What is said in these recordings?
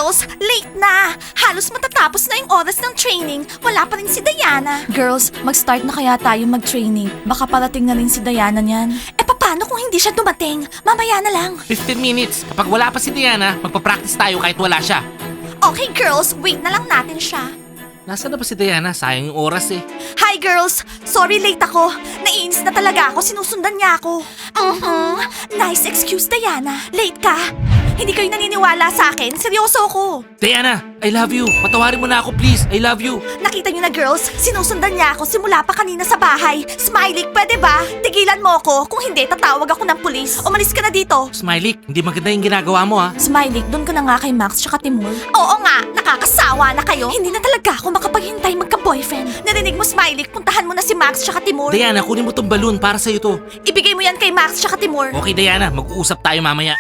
Girls, late na! Halos matatapos na yung oras ng training. Wala pa rin si Diana. Girls, mag-start na kaya tayo mag-training. Baka parating na rin si Diana niyan. Paano kung hindi siya dumating? Mamaya na lang. 15 minutes. Kapag wala pa si Diana, magpa-practice tayo kahit wala siya. Okay girls, wait na lang natin siya. Nasaan na ba si Diana? Sayang yung oras eh. Hi girls! Sorry late ako. Naiinis na talaga ako. Sinusundan niya ako. Nice excuse, Diana. Late ka? Hindi kayo naniniwala sa akin? Seryoso ako. Diana, I love you. Patawarin mo na ako please. I love you. Nakita niyo na girls, sinusundan niya ako simula pa kanina sa bahay. Smiley, pwede ba? Tigilan mo ako. Kung hindi, tatawag ako ng pulis. Umalis ka na dito. Smiley, hindi maganda yung ginagawa mo ha. Smiley, doon ka na nga kay Max tsaka Timur. Oo nga, nakakasawa na kayo. Hindi na talaga ako makapaghintay magka-boyfriend. Narinig mo, Smiley, puntahan mo na si Max tsaka Timur. Diana, kunin mo tong balloon para sa'yo to. Ibigay mo yan kay Max tsaka Timur. Okay Diana, mag-uusap tayo mamaya.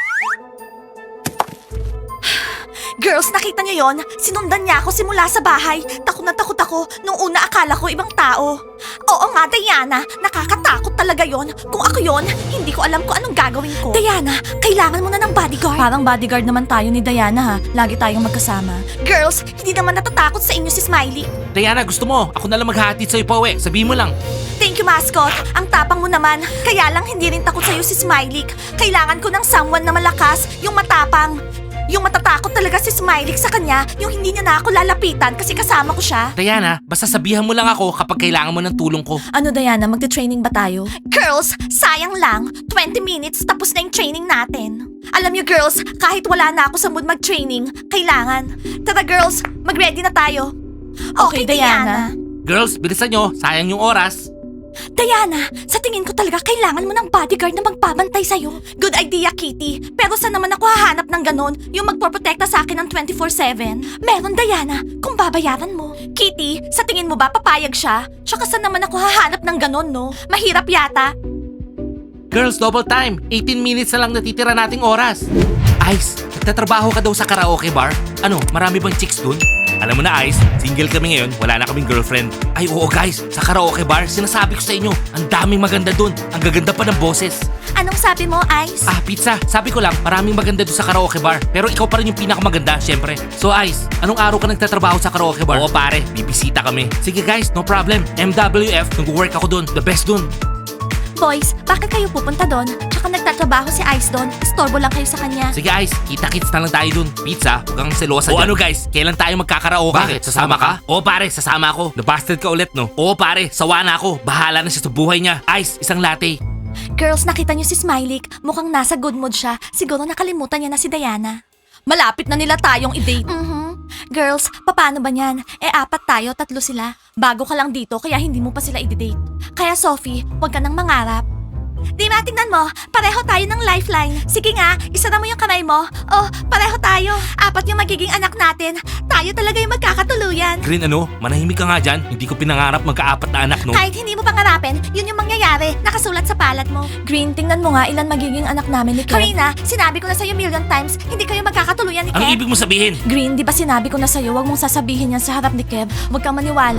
Girls, nakita niyo yon? Sinundan niya ako simula sa bahay. Takot na takot ako. Nung una akala ko ibang tao. Oo nga, Diana. Nakakatakot talaga yon. Kung ako yon, hindi ko alam kung anong gagawin ko. Diana, kailangan mo na ng bodyguard. Parang bodyguard naman tayo ni Diana ha. Lagi tayong magkasama. Girls, hindi naman natatakot sa inyo si Smiley. Diana, gusto mo? Ako na lang maghahatid sa'yo pa uwi. Sabihin mo lang. Thank you, mascot. Ang tapang mo naman. Kaya lang hindi rin takot sa'yo si Smiley. Kailangan ko ng someone na malakas, yung matapang. Yung matatakot talaga si Smiley sa kanya, yung hindi niya na ako lalapitan kasi kasama ko siya. Diana, basta sabihan mo lang ako kapag kailangan mo ng tulong ko. Ano Diana, magte-training ba tayo? Girls, sayang lang. 20 minutes tapos na yung training natin. Alam niyo girls, kahit wala na ako sa mood mag-training, kailangan. Tara girls, mag-ready na tayo. Okay, Diana. Girls, bilisan nyo. Sayang yung oras. Diana, sa tingin ko talaga kailangan mo ng bodyguard na magbabantay sa'yo. Good idea, Kitty. Pero saan naman ako hahanap ng ganon? Yung magpoprotekta sa akin ng 24/7? Meron, Diana, kung babayaran mo. Kitty, sa tingin mo ba papayag siya? Tsaka saan naman ako hahanap ng ganon, no? Mahirap yata. Girls, double time. 18 minutes na lang natitira nating oras. Ice, nagtatrabaho ka daw sa karaoke bar? Ano, marami bang chicks dun? Alam mo na Ice, single kami ngayon, wala na kaming girlfriend. Ay oo guys, sa karaoke bar, sinasabi ko sa inyo, ang daming maganda dun. Ang gaganda pa ng boses. Anong sabi mo, Ice? Pizza, sabi ko lang, maraming maganda dun sa karaoke bar. Pero ikaw pa rin yung pinakamaganda, syempre. So Ice, anong araw ka nagtatrabaho sa karaoke bar? Oo pare, bibisita kami. Sige guys, no problem. MWF, nag-work ako dun, the best dun. Boys, bakit kayo pupunta doon? Tsaka nagtatrabaho si Ice doon. Istorbo lang kayo sa kanya. Sige Ice, kita-kits na lang tayo dun. Pizza, huwag kang selosa dyan. O ano guys, kailan tayo magkakaraoke? Bakit? Sasama ka? Oo pare, sasama ako. Nabasted ka ulit no? Oo pare, sawa na ako. Bahala na siya sa buhay niya. Ice, isang latte. Girls, nakita niyo si Smiley. Mukhang nasa good mood siya. Siguro nakalimutan niya na si Diana. Malapit na nila tayong i-date. Girls, paano ba niyan? 4 tayo, 3 sila. Bago ka lang dito, kaya hindi mo pa sila i-date. Kaya Sophie, huwag ka nang mangarap. Di ba, tingnan mo, pareho tayo ng lifeline. Sige nga, isara mo yung kamay mo. Oh, pareho tayo. 4 yung magiging anak natin. Tayo talaga yung magkakatuluyan. Green ano, manahimik ka nga dyan. Hindi ko pinangarap magka-4 na anak no? Kahit hindi mo pangarapin, yun yung mangyayari. Nakasulat sa palad mo. Green, tingnan mo nga ilan magiging anak namin ni Kev. Karina, sinabi ko na sa'yo million times, hindi kayo magkakatuluyan ni Kev. Anong ibig mo sabihin? Green, di ba sinabi ko na sa'yo, wag mong sasabihin yan sa harap ni Kev. Huwag kang maniwala.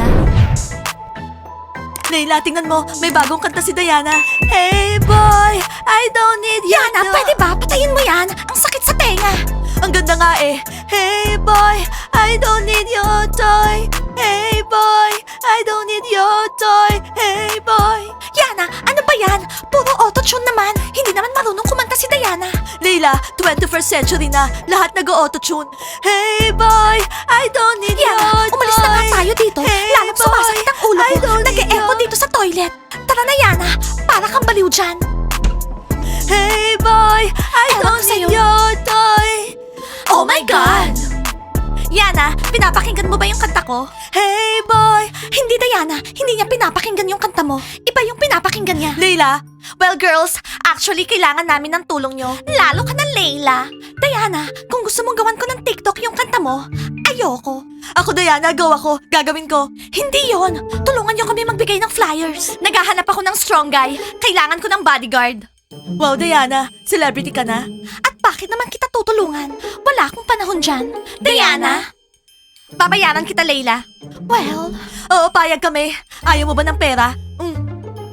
Leila, tingnan mo, may bagong kanta si Diana. Hey boy, I don't need you. Yana, pwede ba? Patayin mo yan. Ang sakit sa tenga. Ang ganda nga eh. Hey boy, I don't need your toy. Hey boy, I don't need your toy. Hey boy. Yana, ano ba yan? Puro auto-tune naman. Hindi naman marunong kumanta si Diana. Leila, 21st century na. Lahat nag-auto-tune. Hey boy, I don't need your toy. Umalis na nga tayo dito. Lalong sumasakit ang ulo ko. Nag-e-echo dito sa toilet. Tara na, Yana. Para kang baliw dyan. Hey boy, I don't need your toy. Oh my God! Yana, pinapakinggan mo ba yung kanta ko? Hey boy! Hindi Diana, hindi niya pinapakinggan yung kanta mo. Iba yung pinapakinggan niya. Leila? Well girls, actually kailangan namin ng tulong nyo. Lalo ka na Leila. Diana, kung gusto mong gawan ko ng TikTok yung kanta mo, ayoko. Ako Diana, go ako. Gagawin ko. Hindi yon. Tulungan nyo kami magbigay ng flyers. Naghahanap ako ng strong guy. Kailangan ko ng bodyguard. Wow, Diana, celebrity ka na. At bakit naman kita tutulungan? Wala akong panahon dyan. Diana? Babayaran kita, Leila. Well, oo, payag kami. Ayaw mo ba ng pera?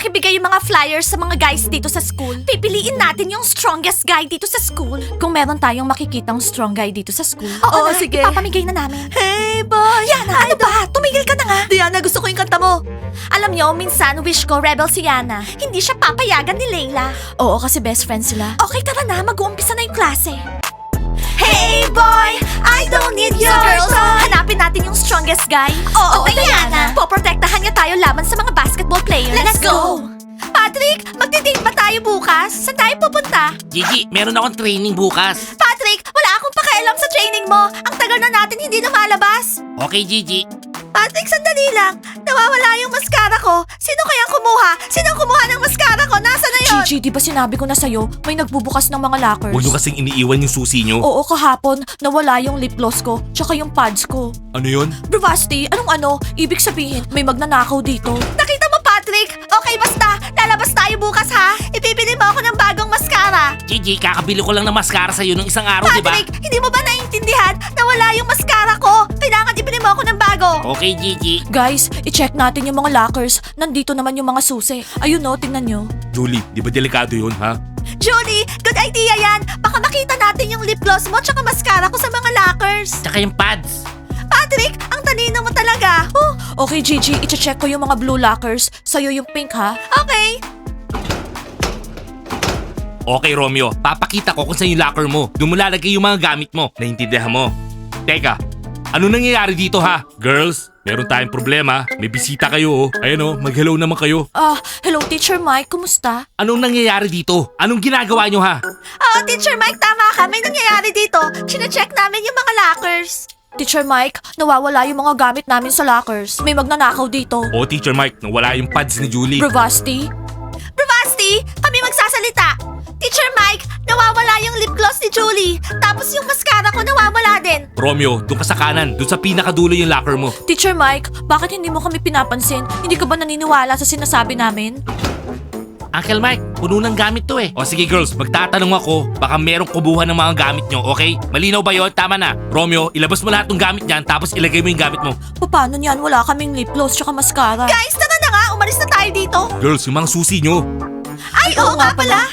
pakibigay yung mga flyers sa mga guys dito sa school. Pipiliin natin yung strongest guy dito sa school. Kung meron tayong makikitang strong guy dito sa school. Oo, sige. Ipapamigay na namin. Hey, boy! Yana, ano ba? Tumigil ka na nga. Diana, gusto ko yung kanta mo. Alam nyo, minsan wish ko rebel si Yana. Hindi siya papayagan ni Layla. Oo, kasi best friends sila. Okay, tara na. Mag-uumpisa na yung klase. Hey boy, I don't need your girls, hanapin natin yung strongest guy. Oo, Diana. Poprotektahan niya tayo laban sa mga basketball players. Let's go! Patrick, magdi-date ba tayo bukas? Saan tayo pupunta? Gigi, meron akong training bukas. Patrick, wala akong pakialam sa training mo. Ang tagal na natin hindi lumalabas. Okay, Gigi. Patrick, sandali lang. Nawawala yung mascara ko. Sino kayang kumuha? Sino kumuha ng mascara ko? Nasa na yun? Gigi, di ba sinabi ko na sa'yo, may nagbubukas ng mga lockers? Huwag nyo kasing iniiwan yung susi nyo. Oo, kahapon, nawala yung lip gloss ko, tsaka yung pads ko. Ano yun? Bravasti, anong ano? Ibig sabihin, may magnanakaw dito. Nakita mo, Patrick? Okay, basta. Lalabas tayo bukas, ha? Ibibili mo ako ng bagong mascara. Gigi, kakabili ko lang ng mascara sa'yo nung isang araw, di ba? Patrick, hindi mo ba naiintindihan? Nawala yung mascara ko. Kailangan ibili mo ako ng bago. Okay, Gigi. Guys, i-check natin yung mga lockers. Nandito naman yung mga susi. Ayun no, tingnan nyo. Julie, di ba delikado yun, ha? Julie, good idea yan. Baka makita natin yung lip gloss mo tsaka mascara ko sa mga lockers. Tsaka yung pads. Patrick, ang talino mo talaga. Okay, Gigi, i-check ko yung mga blue lockers. Sa'yo yung pink, ha? Okay. Okay, Romeo. Papakita ko kung saan yung locker mo. Doon mo lalagay yung mga gamit mo. Naintindihan mo? Teka, ano nangyayari dito, ha? Girls, meron tayong problema. May bisita kayo, oh. Ayun, oh. Mag-hello naman kayo. Hello, Teacher Mike. Kumusta? Anong nangyayari dito? Anong ginagawa nyo, ha? Teacher Mike, tama ka. May nangyayari dito. Chine-check namin yung mga lockers. Teacher Mike, nawawala yung mga gamit namin sa lockers. May magnanakaw dito. Oh, Teacher Mike, nawala yung pads ni Julie. Bravasti? Bravasti, kami magsasalita. Teacher Mike, nawawala yung lip gloss ni Julie. Tapos yung mascara ko nawawala din. Romeo, doon ka sa kanan. Doon sa pinakadulo yung locker mo. Teacher Mike, bakit hindi mo kami pinapansin? Hindi ka ba naniniwala sa sinasabi namin? Uncle Mike, puno ng gamit to eh. O sige girls, magtatanong ako. Baka merong kubuhan ng mga gamit nyo, okay? Malinaw ba yon? Tama na. Romeo, ilabas mo lahat ng gamit niyan tapos ilagay mo yung gamit mo. Paano niyan? Wala kaming lip gloss tsaka mascara. Guys, tara na nga! Umalis na tayo dito. Girls, yung mga susi nyo. Ay, oo nga pala.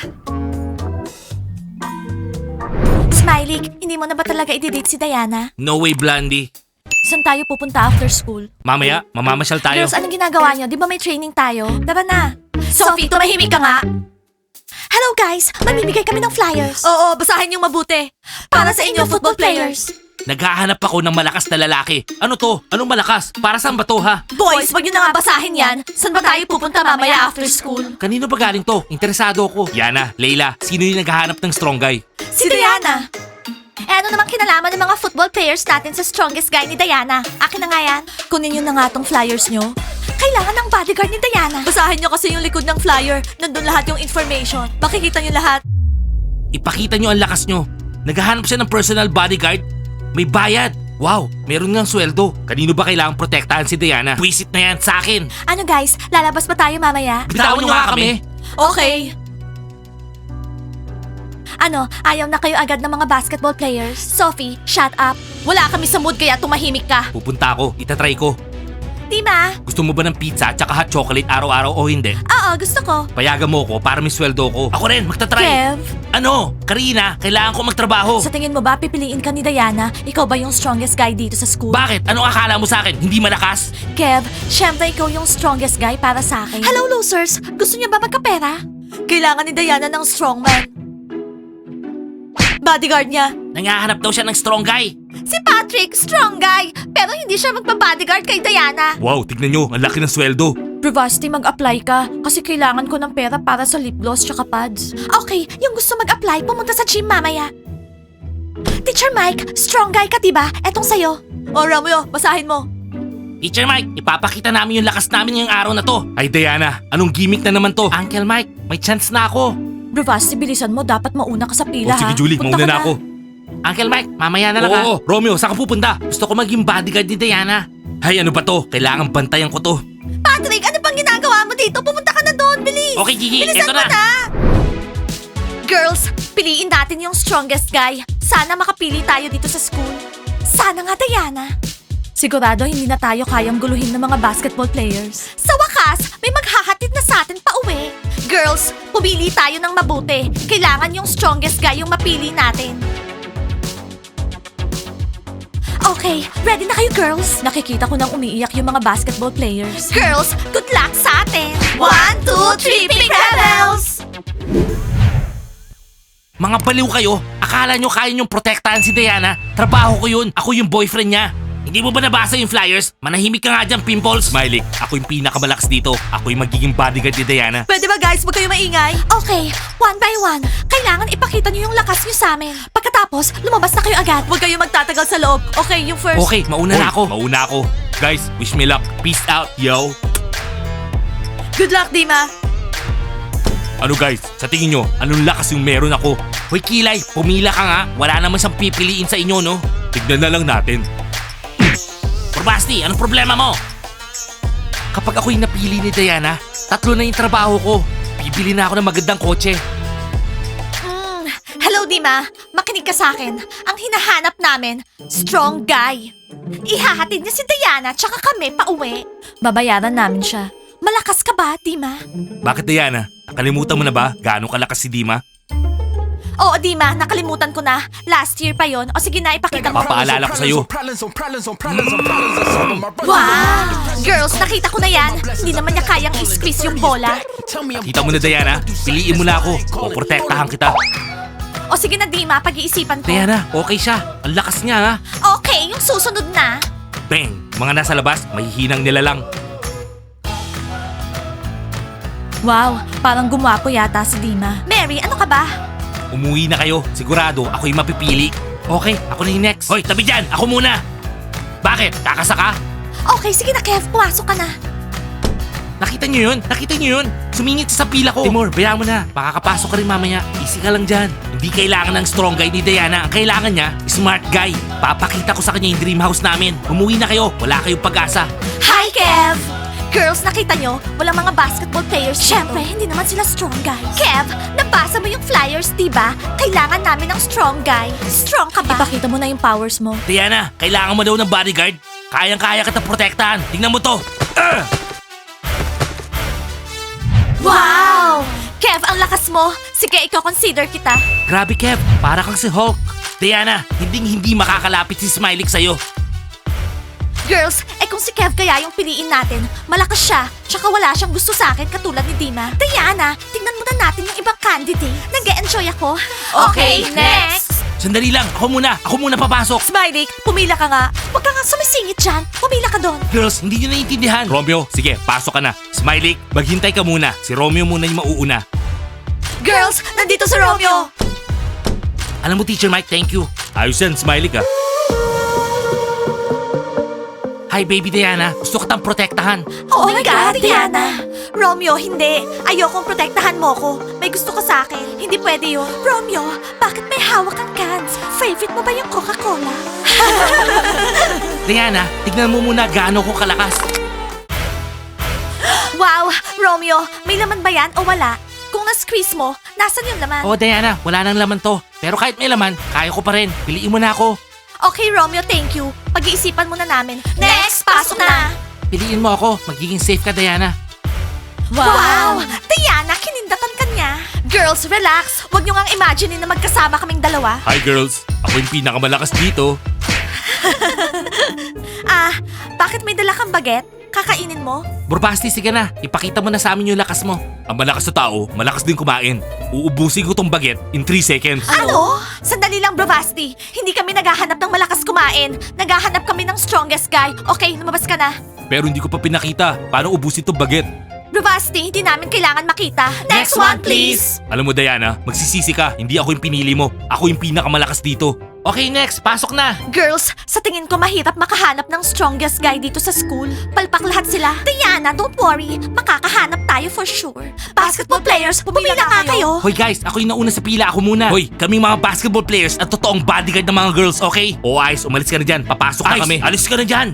Smiley, hindi mo na ba talaga i-date si Diana? No way, Blondie. Saan tayo pupunta after school? Mamaya, mamamasyal tayo. Girls, anong ginagawa niyo? Di ba may training tayo? Tara na. Sophie, tumahimik ka nga. Hello guys, mamimigay kami ng flyers. Oo, basahin yung mabuti. Para sa inyo, football players. Naghahanap ako ng malakas na lalaki. Ano to? Anong malakas? Para saan ba to, ha? Boys, wag niyo na nga basahin yan. Saan ba tayo pupunta mamaya after school? Kanino ba galing to? Interesado ako. Yana, Layla, sino yung naghahanap ng strong guy? Si Diana. Ano namang kinalaman ng mga football players natin sa strongest guy ni Diana? Akin na nga yan. Kunin nyo na nga tong flyers nyo. Kailangan ng bodyguard ni Diana. Basahin nyo kasi yung likod ng flyer. Nandun lahat yung information. Makikita nyo lahat. Ipakita nyo ang lakas nyo. Naghahanap siya ng personal bodyguard. May bayad. Wow, meron ngang sweldo. Kanino ba kailangang protektahan si Diana? Pwisit na yan sa akin. Ano guys, lalabas ba tayo mamaya? Bitawan nyo nga kami. Okay. Ano, ayaw na kayo agad ng mga basketball players? Sophie, shut up. Wala kami sa mood kaya tumahimik ka. Pupunta ako, itatry ko. Di ba? Gusto mo ba ng pizza at saka hot chocolate araw-araw o hindi? Oo, gusto ko. Payagan mo ko para may sweldo ko. Ako rin, magtatry. Kev, Ano? Karina, kailangan ko magtrabaho. sa tingin mo ba pipiliin ka ni Diana? Ikaw ba yung strongest guy dito sa school? Bakit? Anong akala mo sa akin? Hindi malakas? Kev, syempre ikaw yung strongest guy para sa akin. Hello, losers! Gusto niya ba magkapera? Kailangan ni Diana ng strongman. Bodyguard niya. Nangahanap daw siya ng strong guy. Si Patrick, strong guy. Pero hindi siya magpa-bodyguard kay Diana. Wow, tignan nyo, ang laki ng sweldo. Bravasti, mag-apply ka. Kasi kailangan ko ng pera para sa lip gloss tsaka pads. Okay, yung gusto mag-apply, pumunta sa gym mamaya. Teacher Mike, strong guy ka diba? Etong sayo. O Romeo, basahin mo. Teacher Mike, ipapakita namin yung lakas namin ngayong araw na to. Ay Diana, anong gimmick na naman to? Uncle Mike, may chance na ako. Bravasti, bilisan mo. Dapat mauna ka sa pila, Sige ha? Julie, Punta mauna ka na ako. Uncle Mike, mamaya na lang ha. Oo, Romeo, saan ka pupunta? Gusto ko maging bodyguard ni Diana. Hay, ano ba to? Kailangan bantayan ko to. Patrick, ano bang ginagawa mo dito? Pumunta ka na doon, bilis! Okay, Gigi, Bilisan eto mo na. na! Girls, piliin natin yung strongest guy. Sana makapili tayo dito sa school. Sana nga, Diana. Sigurado hindi na tayo kayang guluhin ng mga basketball players. Sa wakas, may maghahatid na na sa atin pa uwi. Girls, pumili tayo ng mabuti. Kailangan yung strongest guy yung mapili natin. Okay, ready na kayo girls? Nakikita ko nang umiiyak yung mga basketball players. Girls, good luck sa atin! 1, 2, 3, Pink Rebels! Mga baliw kayo, akala nyo kaya nyong protektahan si Diana? Trabaho ko yun, ako yung boyfriend niya. Hindi mo ba nabasa yung flyers? Manahimik ka nga dyan, Pimples. Smiley, ako yung pinakamalakas dito. Ako yung magiging bodyguard ni Diana. Pwede ba guys, huwag kayo maingay? Okay, one by one. Kailangan ipakita niyo yung lakas niyo sa amin. Pagkatapos, lumabas na kayo agad. Huwag kayo magtatagal sa loob. Okay, yung first. Okay, mauna na ako. Mauna ako. Guys, wish me luck. Peace out, yo. Good luck, Dima. Ano guys, sa tingin nyo, anong lakas yung meron ako? Hoy Kilay, pumila ka nga. Wala naman siyang pipiliin sa inyo, no? Tignan na lang natin. Basti, anong problema mo? Kapag ako'y napili ni Diana, 3 na yung trabaho ko. Bibili na ako ng magandang kotse. Hello, Dima. Makinig ka sa akin. Ang hinahanap namin, strong guy. Ihahatid niya si Diana tsaka kami pauwi. Babayaran namin siya. Malakas ka ba, Dima? Bakit Diana? Nakalimutan mo na ba gaano kalakas si Dima? Oo, Dima. Nakalimutan ko na. Last year pa yon. O sige na, ipakita mo. Papaalala ko sa'yo. Wow! Girls, nakita ko na yan. Hindi naman niya kayang i-squeeze yung bola. Kita mo na Diana, piliin mo na ako. O protektahan kita. O sige na, Dima. Pag-iisipan ko. Diana, okay siya. Ang lakas niya ha. Okay, yung susunod na. Bang! Mga nasa labas, mahihinang nila lang. Wow, parang gumwapo yata si Dima. Mary, ano ka ba? Umuwi na kayo. Sigurado, ako yung mapipili. Okay, ako na yung next. Hoy, tabi dyan! Ako muna! Bakit? Kakasaka? Okay, sige na, Kev. Pumasok ka na. Nakita niyo yun? Nakita niyo yun? Sumingit siya sa pila ko. Timur, bayaan mo na. Makakapasok ka rin mamaya. Easy ka lang dyan. Hindi kailangan ng strong guy ni Diana. Ang kailangan niya, smart guy. Papakita ko sa kanya yung dream house namin. Umuwi na kayo. Wala kayong pag-asa. Hi, Kev! Girls, nakita nyo? Walang mga basketball players. Siyempre, hindi naman sila strong guys. Kev, nabasa mo yung flyers, diba? Kailangan namin ng strong guy. Strong ka ba? Ipakita mo na yung powers mo. Diana, kailangan mo daw ng bodyguard. Kayang-kaya kita protektahan. Tingnan mo to. Wow! Kev, ang lakas mo. Sige, ikaw consider kita. Grabe, Kev. Para kang si Hulk. Diana, hindi makakalapit si Smiley sa'yo. Girls, kung si Kev kaya yung piliin natin, malakas siya, tsaka wala siyang gusto sa akin katulad ni Dima. Diana, tingnan muna natin yung ibang candidate. Nag-e-enjoy ako. Okay, next! Sandali lang. Ako muna papasok. Smiley, pumila ka nga. Huwag ka nga sumisingit dyan. Pumila ka doon. Girls, hindi nyo naiintindihan. Romeo, sige, pasok ka na. Smiley, maghintay ka muna. Si Romeo muna yung mauuna. Girls, nandito si Romeo. Alam mo, Teacher Mike, thank you. Ayos yan, Smiley ka. Hi, baby Diana. Gusto kitang protektahan. Oh my God, Diana. Romeo, hindi. Ayokong protektahan mo ko. May gusto ka sa akin. Hindi pwede yun. Romeo, bakit may hawak kang cans? Favorite mo ba yung Coca-Cola? Diana, tignan mo muna gaano ko kalakas. Wow, Romeo, may laman ba yan o wala? Kung na-squeeze mo, nasan yung laman? Oh, Diana, wala nang laman to. Pero kahit may laman, kaya ko pa rin. Piliin mo na ako. Okay, Romeo, thank you. Pag-iisipan muna namin. Next, pasok na! Piliin mo ako. Magiging safe ka, Diana. Wow! Diana, kinindatan ka niya. Girls, relax. Huwag niyo ngang imagine na magkasama kaming dalawa. Hi, girls. Ako yung pinakamalakas dito. Bakit may dala kang baget? Kakainin mo? Burbasti, sige na. Ipakita mo na sa amin yung lakas mo. Ang malakas na tao, malakas din kumain. Uubusin ko tong baget in 3 seconds. Ano? Sandali lang, Bravasti. Hindi kami naghahanap ng malakas kumain. Naghahanap kami ng strongest guy. Okay, lumabas ka na. Pero hindi ko pa pinakita. Paano ubusin tong baget? Bravasti, hindi namin kailangan makita. Next one, please! Alam mo, Diana, magsisisi ka. Hindi ako yung pinili mo. Ako yung pinakamalakas dito. Okay, next. Pasok na. Girls, sa tingin ko mahirap makahanap ng strongest guy dito sa school. Palpak lahat sila. Diana, don't worry. Makakahanap tayo for sure. Basketball players, pumila nga kayo. Hoy guys, ako yung nauna sa pila. Ako muna. Hoy, kaming mga basketball players at totoong bodyguard ng mga girls, okay? O Ice, umalis ka na dyan. Papasok na kami. Alis ka na dyan.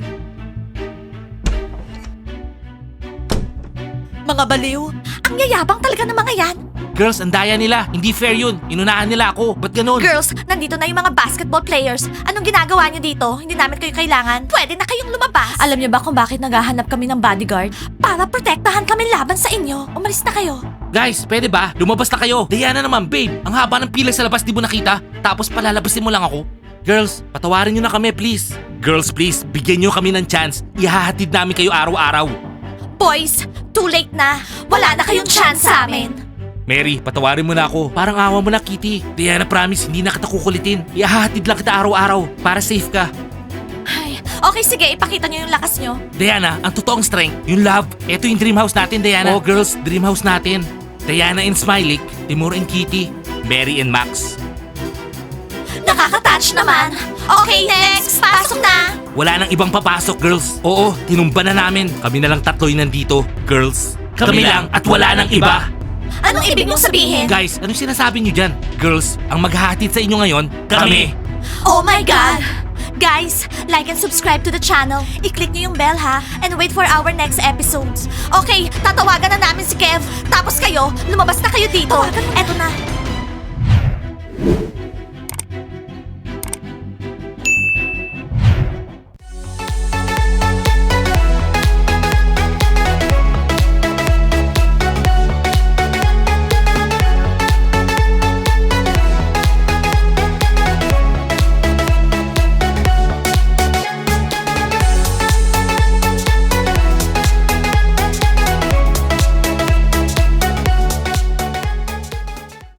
Mga baliw. Ang yayabang talaga ng mga yan. Girls, ang daya nila. Hindi fair yun. Inunahan nila ako. Ba't ganun? Girls, nandito na yung mga basketball players. Anong ginagawa niyo dito? Hindi namin kayo kailangan. Pwede na kayong lumabas. Alam niyo ba kung bakit naghahanap kami ng bodyguard? Para protektahan kami laban sa inyo. Umalis na kayo. Guys, pwede ba? Lumabas na kayo. Diana naman, babe. Ang haba ng pila sa labas, di mo nakita? Tapos palalabasin mo lang ako? Girls, patawarin nyo na kami, please. Girls, please, bigyan nyo kami ng chance. Ihahatid namin kayo araw-araw. Boys, too late na. Wala na kayong chance sa amin. Mary, patawarin mo na ako. Parang awa mo na, Kitty. Diana, promise, hindi na kita kukulitin. Ihahatid lang kita araw-araw para safe ka. Ay, okay, sige, ipakita niyo yung lakas niyo. Diana, ang totoong strength, yung love. Ito yung dream house natin, Diana. Oh, girls, dream house natin. Diana and Smiley, Timur and Kitty, Mary and Max. Nakaka-touch naman. Okay, next. Pasok na. Wala nang ibang papasok, girls. Oo, tinumba na namin. Kami na lang tatlo yung nandito, girls. Kami lang at wala nang iba. Anong ibig mong sabihin? Guys, anong sinasabi niyo dyan? Girls, ang maghahatid sa inyo ngayon, kami. Oh my God! Guys, like and subscribe to the channel. I-click niyo yung bell ha, and wait for our next episodes. Okay, tatawagan na namin si Kev. Tapos kayo, lumabas na kayo dito. Eto na.